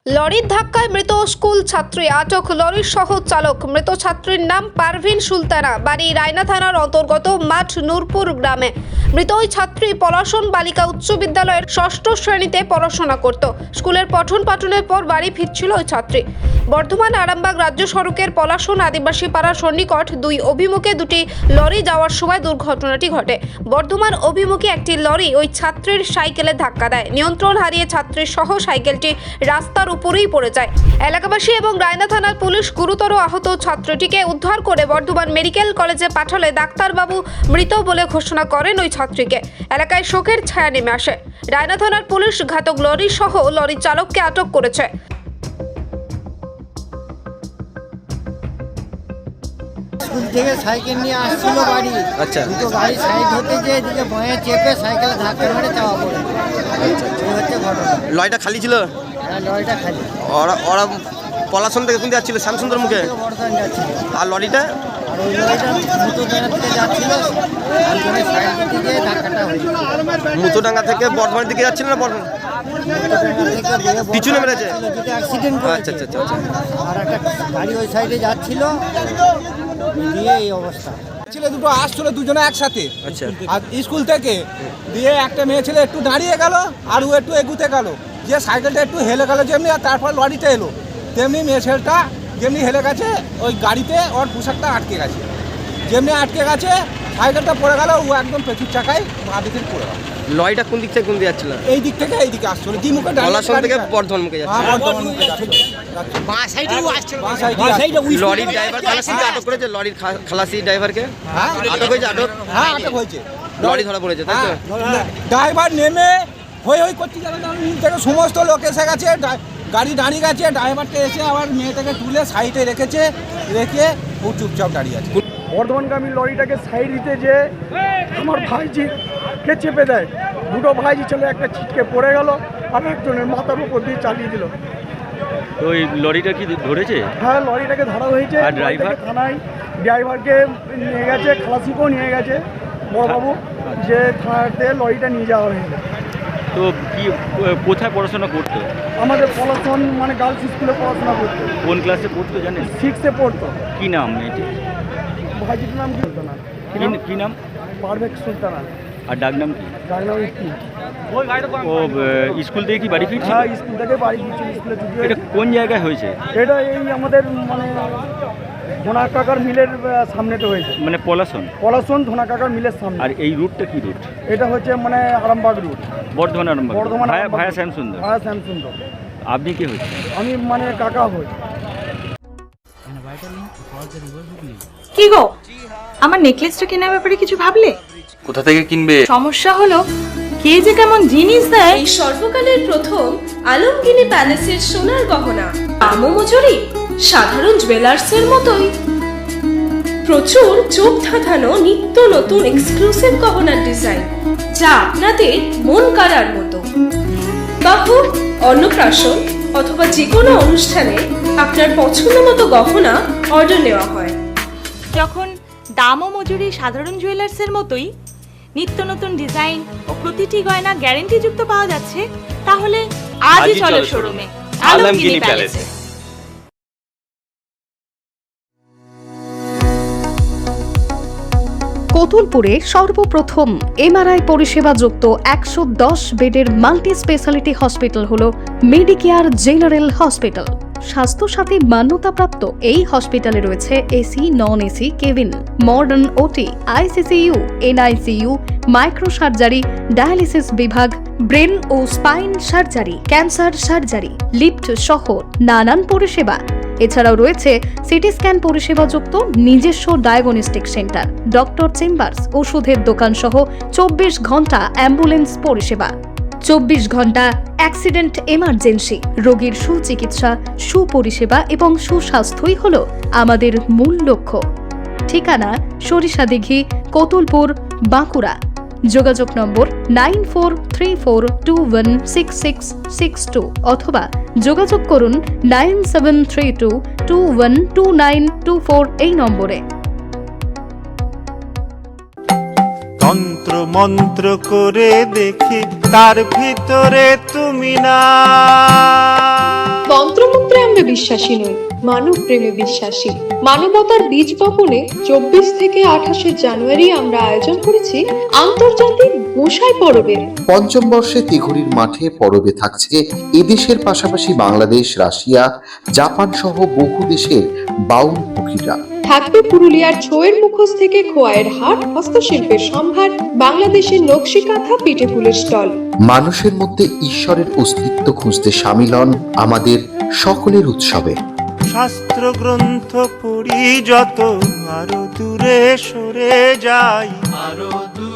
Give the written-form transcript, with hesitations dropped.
লরির ধাক্কায় মৃত স্কুল ছাত্রী আটক, লরির সহ চালক। মৃত ছাত্রীর নাম পারভিন সুলতানা, বাড়ি রায়না থানার অন্তর্গত মাঠ নূরপুর গ্রামে। মৃত ওই ছাত্রী পলাশন বালিকা উচ্চ বিদ্যালয়ের ষষ্ঠ শ্রেণীতে পড়াশোনা করত। স্কুলের পঠন পাঠনের পর বাড়ি ফিরছিল ওই ছাত্রী। বর্ধমান আরামবাগ রাজ্য সড়কের পলাশন আদিবাসী পাড়ার সন্নিকট দুই অভিমুখে দুটি লরি যাওয়ার সময় দুর্ঘটনাটি ঘটে। বর্ধমান অভিমুখে একটি লরি ওই ছাত্রীর সাইকেলে ধাক্কা দেয়। নিয়ন্ত্রণ হারিয়ে ছাত্রীর সহ সাইকেলটি রাস্তার উপরেই পড়ে যায়। এলাকাবাসী এবং রায়না থানার পুলিশ গুরুতর আহত ছাত্রীটিকে উদ্ধার করে বর্ধমান মেডিকেল কলেজে পাঠালে ডাক্তারবাবু মৃত বলে ঘোষণা করেন ওই ছাত্রীকে। এলাকায় শোকের ছায়া নেমে আসে। রায়না থানার পুলিশ ঘাতক লরি সহ লরি চালককে আটক করেছে। স্কুল থেকে সাইকেল নিয়ে আসছিল বাড়ি। আচ্ছা। দুটো গাড়ি সাইড হতে যে এদিকে ভয়ে চেপে সাইকেল ধাক্কা মেরে চাওয়া পড়ে। আচ্ছা। এই হচ্ছে ঘটনা। লরিটা খালি ছিল? হ্যাঁ, লরিটা খালি। ওরা পলাশন থেকে কোন যাচ্ছিল? শ্যামসুন্দর মুখে। বর্ধমান যাচ্ছিল। আর লরিটা? আর ওই লরিটা মুতুডাঙ্গা থেকে যাচ্ছিল, ওইখানে সাইড দিতে গিয়ে ধাক্কাটা হয়েছে। মুতুডাঙ্গা থেকে বর্ধমানের দিকে যাচ্ছিল না? বর্ধমান মুতুডাঙ্গা থেকে পিছনে মেরেছে? যেটা অ্যাক্সিডেন্ট করেছে। আচ্ছা আচ্ছা আচ্ছা। আর একটা গাড়ি ওই সাইডে যাচ্ছিল, দিয়ে এই অবস্থা। ছেলে দুটো আসছিল দুজনে একসাথে। আচ্ছা। আর স্কুল থেকে দিয়ে একটা মেয়ে ছেলে একটু দাঁড়িয়ে গেল আর ও একটু এগুতে গেল, যে সাইকেলটা একটু হেলে গেল যেমনি, আর তারপর লরিটা এলো তেমনি মেয়ে ছেলেটা যেমনি হেলে গেছে ওই গাড়িতে ওর পোশাকটা আটকে গেছে। যেমনি আটকে গেছে সাইকেলটা পড়ে গেল, ও একদম পেছুর চাকায় বাঁ দিকে পড়ে গেল। লরিটা কোন দিক থেকে কোন দিকে যাচ্ছিল? এই দিক থেকে এই দিকে আসছিল, কি মুখে পলাশন থেকে বর্ধমান মুখে যাচ্ছিল। বর্ধমান মুখে যাচ্ছিল। বাঁ সাইডেও আসছিল। বাঁ সাইডে লরির ড্রাইভার খালাসিকে আটক করেছে? লরির খালাসি ড্রাইভারকে হ্যাঁ আটক হয়েছে? আটক? হ্যাঁ আটক হয়েছে। লরি ধরা পড়েছে তাই তো? ড্রাইভার নেমে হই হই করতে গেলে থেকে সমস্ত লোক এসে গেছে, গাড়ি দাঁড়িয়ে গেছে। ড্রাইভারটা এসে আবার মেয়েটাকে তুলে সাইডে রেখেছে, রেখে ও চুপচাপ দাঁড়িয়ে আছে। বর্ধমানগামী লরিটাকে সাইড দিতে যে আমার ভাইজিকে চেপে দেয়। দুটো ভাইজি ছেলে, একটা ছিটকে পড়ে গেল আর একজনের মাথার উপর দিয়ে চালিয়ে দিল। তো ওই লরিটা কি ধরেছে? হ্যাঁ, লরিটাকে ধরা হয়েছে। আর ড্রাইভার? থানায় ড্রাইভারকে নিয়ে গেছে, খালাসিকেও নিয়ে গেছে বড়বাবু, যে থানাতে লরিটা নিয়ে যাওয়া হয়েছে। তো কি কোথায় পড়াশোনা করতো? আমাদের পলাশন মানে গার্লস স্কুলে পড়াশোনা করতো। কোন ক্লাসে পড়তো জানেন? 6-এ পড়তো। কি নাম মেয়েটি? ভাইজির নাম কি হতো না? কি নাম? পারভেজ সুলতানা। আর ডাক নাম কি? ডাকনাম কি? ও স্কুল থেকে কি বাড়ি ফিরছিল? হ্যাঁ, স্কুল থেকে বাড়ি ফিরছিল, স্কুলে ছুটি এটা হয়েছে। কোন জায়গায় হয়েছে? এটা এই আমাদের মানে ধোনা কাকার মিলের সামনেতে হয়েছে। মানে পলাশন? পলাশন ধোনা কাকার মিলের সামনে। আর এই রুটটা কি রুট? এটা হচ্ছে মানে Arambagh route. Bardhaman Arambagh? Bardhaman via Shyamsundar? Via Shyamsundar. আপনি কি হচ্ছে? আমি মানে কাকা হই। কি গো, আমার নেকলেসটা কেনার ব্যাপারে কিছু ভাবলে? কোথা থেকে কিনবে? সমস্যা হলো কে যে কেমন জিনিস দেয়। এই সর্বকালের প্রথম আলমগিনি প্যালেসের সোনার গহনা, দামও মজুরি সাধারণ জুয়েলার্সের মতোই। প্রচুর চোখ ধাঁধানো নিত্য নতুন এক্সক্লুসিভ গহনার ডিজাইন, যা আপনাদের মন কাড়ার মতো। বাহু, অন্নপ্রাশন অথবা যে কোনো অনুষ্ঠানে আপনার পছন্দ মতো গহনা অর্ডার নেওয়া হয়। যখন দাম ও মজুরি সাধারণ জুয়েলার্সের মতোই, নিত্য নতুন ডিজাইন ও প্রতিটি গয়না গ্যারান্টি যুক্ত পাওয়া যাচ্ছে, তাহলে আজই চলো শোরুমে আলমগিনি প্যালেসে। কতুলপুরে সর্বপ্রথম এমআরআই পরিষেবা যুক্ত 110 বেডের মাল্টি স্পেশালিটি হসপিটাল হল মেডিকেয়ার জেনারেল হসপিটাল। স্বাস্থ্যসাথী মান্যতাপ্রাপ্ত এই হসপিটালে রয়েছে AC, non AC cabin, modern OT, ICCU, NICU, micro surgery, dialysis বিভাগ, ব্রেন ও spine surgery, cancer surgery, lift সহ নানান পরিষেবা। এছাড়াও রয়েছে সিটি স্ক্যান পরিষেবাযুক্ত নিজস্ব ডায়াগনস্টিক সেন্টার, ডক্টর চেম্বার্স, ওষুধের দোকান সহ 24 ঘন্টা অ্যাম্বুলেন্স পরিষেবা, 24 ঘন্টা অ্যাক্সিডেন্ট এমার্জেন্সি। রোগীর সুচিকিৎসা, সুপরিষেবা এবং সুস্বাস্থ্যই হল আমাদের মূল লক্ষ্য। ঠিকানা সরিষাদিঘি, কতুলপুর, বাঁকুড়া। যোগাযোগ নম্বর 9434216662 অথবা যোগাযোগ করুন 9732212924 এই নম্বরে। তন্ত্র মন্ত্র করে দেখি তার ভিতরে তুমি না। ধর্মে বিশ্বাসী নই, মানব প্রেমে বিশ্বাসী। মানবতার বীজ বপনে 24 থেকে 28 জানুয়ারি আমরা আয়োজন করেছি আন্তর্জাতিক গোসাই পরবের। পঞ্চম বর্ষে তিঘুরির মাঠে পরবে থাকছে এদেশের পাশাপাশি বাংলাদেশ, রাশিয়া, জাপান সহ বহু দেশের বাউল পুকিরা। থাকবে পুরুলিয়ার ছোয়ের মুখোশ থেকে খোয়াইয়ের হাট, হস্তশিল্পের সম্ভার, বাংলাদেশের নকশি কাঁথা, পিঠে ফুলের স্টল। মানুষের মধ্যে ঈশ্বরের অস্তিত্ব খুঁজতে সামিল হন আমাদের সকলের উৎসবে। শাস্ত্র গ্রন্থ পড়ি যত আরো দূরে সরে যাই, আরো